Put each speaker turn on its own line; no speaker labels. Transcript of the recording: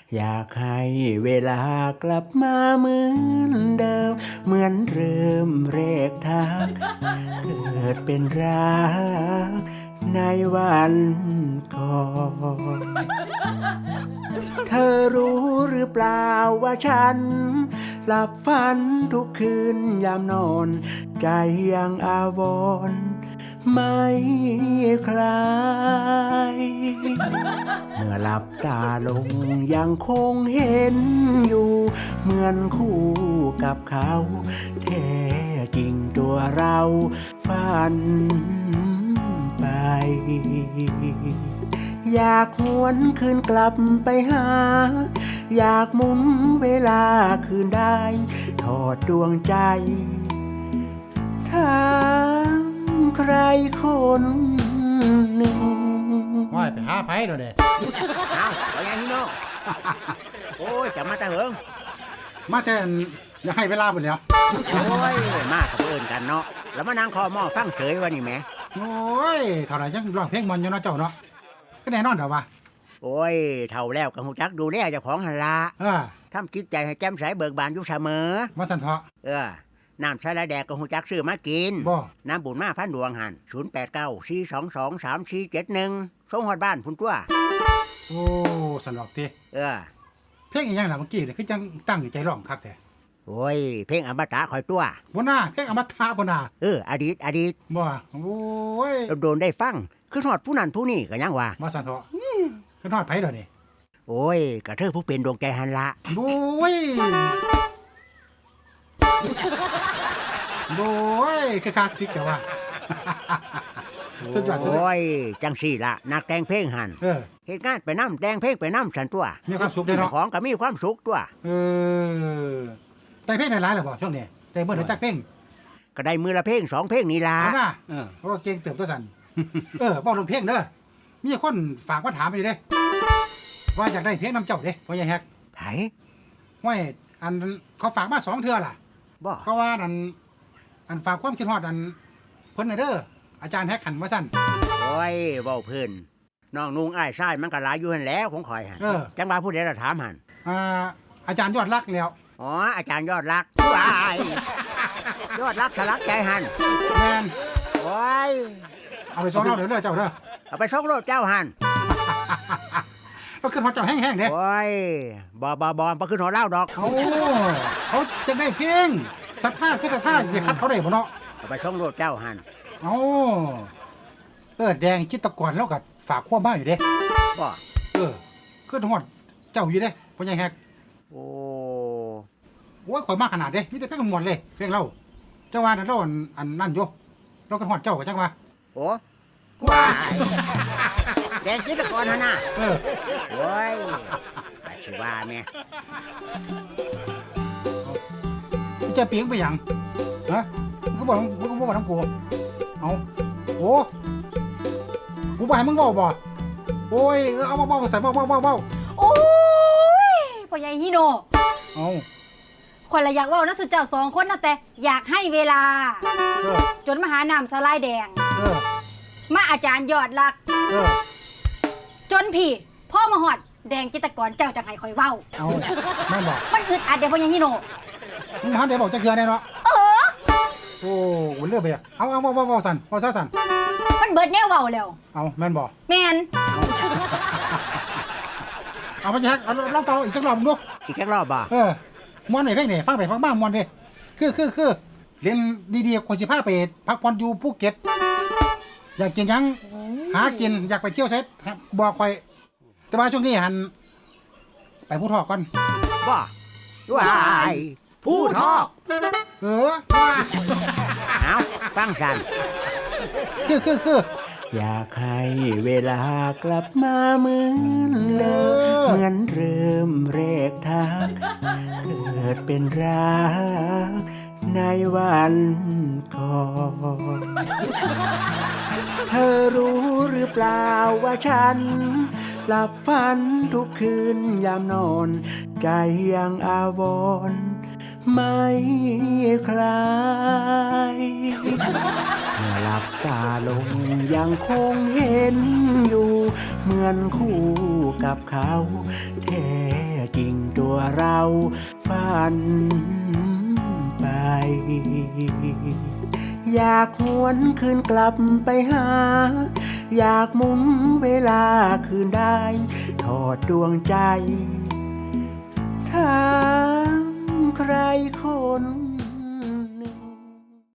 อยากให้เวลากลับมาเหมือนเดิม เหมือนเริ่มแรกทัก เกิดเป็นรักในวันก่อน เธอรู้หรือเปล่าว่าฉัน หลับฝันทุกคืนยามนอน ใจยังอาวรณ์ไม่คลาย เมื่อหลับตาลงยังคงเห็นอยู่ เหมือนคู่กับเขาแท้จริงตัวเราฝันไป อยากหวนคืนกลับไปหา อยากหมุนเวลาคืนได้ทอดดวงใจถามใครคนหนึ่ง
ห้อยไปหาไผเด้อเด้
เอาเอาอย่างนี้เนาะโอ้ยจะมาแต่เหิง
มาแต่อย่าให้เวลาเบิดแล้ว
โอ้ยมากับเอิญกันเนาะแล้วมานั่งคอหม้อฟังเฉยวะนี่แหม
โอ้ยเท่าไหร่ยังร้องเพลงมันอยู่เนาะเจ้าเนาะก็แน่นอนเด้อว่า
โอ้ยเท่าแล้วกับหูจักดูแลเจ้าของหันละ ทำจิตใจให้แจ่มใสเบิกบานอยู่เสมอ
มาสั่นเถาะ
น้ำสลัดแดกกับหูจักซื้อมากิน
บ่
น้ำบุญมาพันดวงหัน0894223471ส่งฮอดบ้านพุ่นตัว
โอ้สั่นดอกติ
เออ
เพลงอีหยังล่ะเมื่อกี้นี่คือจังตั้งใจร้องคักแท้
โอ้ยเพลงอมตะคอยตัว
บ่น่าเพลงอมตะบ่น่า
อดีต
บ่โอ้ย
โดนได้ฟังคือฮอดผู้นั้นผู้นี้ก็ยังว่า
มาสั่นเถาะคือทอดไผเด้อนี่
โอ้ยกระเธอผู้เป็นดวงใจหันละ
โอ้ยโอ้ยคือคักสิแต่ว่า สุดยอดสุดยอด
โอ้ยจังสี่ละนักแต่งเพลงหัน
เออ
เหตุงานไปน้ำแต่งเพลงไปน้ำสันตัว
มีความสุขเด้อเนาะ
ของก็มีความสุขตัว
เออได้เพลงหลายๆแล้วบ่ช่วงนี้ได้เมื่อไหร่จักเพลง
ก็ได้มือละเพลง2 เพลงนี่ละ
เอาน่ะเพราะว่าเก่งเติบตัวสั่น บอกเรื่องเพลงเด้อมีคนฝากมาถามอยู่เด้ว่าอยากได้เพลงนำเจ้าเด้พ่อใหญ่แฮก
ไผ
ห้วยอันเขาฝากมา2 เทื่อล่ะ
บ่
เขาว่าอันฝากความคิดฮอดอันเพิ่นน่ะเด้ออาจารย์แฮกหันมาสั่น
โอ้ยเว้าเพิ่นน้องนุงอ้ายชายมันก็หลายอยู่หันแหล้วของข่อยหัน
เออ
จังว่าผู้ใดละถามหัน
อาจารย์ยอดรักแล้ว
อ๋ออาจารย์ยอดรักว้ายยอดรักสลักใจหัน
แม่น
โอ้ย
เอาไปซ้อมเราเด้อเจ้าเด้อ
เอาไปส่งโลดเจ้าหัน
เราขึ้นฮอดเจ้าแห้งๆเด้
โอ้ยบ่บ่ขึ้นหอเล่าดอก
เขาจะได้เพลงศรัทธาคือศรัทธาไปคัดเขาได้บ่เนาะ
เอาไปส่งโลดเจ้าหัน
เอาแดงจิตรกรแล้วก็ฝากความมาอยู่เด้
บ่
ขึ้นฮอดเจ้าอยู่เด้พ่อใหญ่แฮก
โอ้
โอ้ยข่อยมากขนาดเด้มีแต่เพลงม่วนเลยเพลงเราจังว่านั่นเราอันนั่นอยู่เราขึ้นฮอดเจ้าก็จังว่า
โอ้ว้ายแดงจิตรกรหั่นน่ะ
เออ
โอ้ยไปสิว่าแม่
มึงจะเปียงไปหยังฮะมึงก็บอกทั้งกูเอาโอ้กูบ่ให้มึงเว้าบ่โอ้ยเอาเว้าใส่เว้า
โอ้ยพ่อใหญ่ฮิโน
เอา
คนละอยากเว่านะสุดเจ้า2 คนนะแต่อยากให้เวลา
เออ
จนมาหาน้ำสลายแดง
เออ
มาอาจารย์ยอดรัก
เออ
จนพี่พ่อมาหอดแดงจิตรกรเจ้าจังไห้คอยเว้า
เอาแม่นบอก
มันอึดอัดเดี๋ยวพ่อใหญ่ฮิโน
มึงมาหาได้บอกจักเทื่อแน่เนาะ
เออ
โอ้เลือกไปอ่ะเอาเว้าสั่นเว้าซะสั่น
มันเบิดแนวเว้าแล้ว
เอาแม่นบ่
แมน
เอาไปแจ็คเอาลองต่ออีกจักรอบมึงดู
อีกแค่รอบบ่
มวนไหนเพลงนี่ฟังไปฟังมามวนดิคือเรียนดีๆคนสิพาไปพักผ่อนอยู่ภูเก็ตอยากกินหยังหากินอยากไปเที่ยวเซตบอกคอยแต่ว่าช่วงนี้หันไปผู้ทอกก่อน
บ่ว้ายผู้ทอก
เออ
เอาฟังสัน
คือ
อยากให้เวลากลับมาเหมือนเดิม เหมือนเริ่มแรกทัก เกิดเป็นรักในวันก่อน เธอรู้หรือเปล่าว่าฉัน หลับฝันทุกคืนยามนอน ใจยังอาวรณ์ไม่คลายเมื่อหลับตาลงยังคงเห็นอยู่ เหมือนคู่กับเขา แท้จริงตัวเราฝันไป อยากหวนคืนกลับไปหา อยากหมุนเวลาคืนได้ทอดดวงใจถามใครคน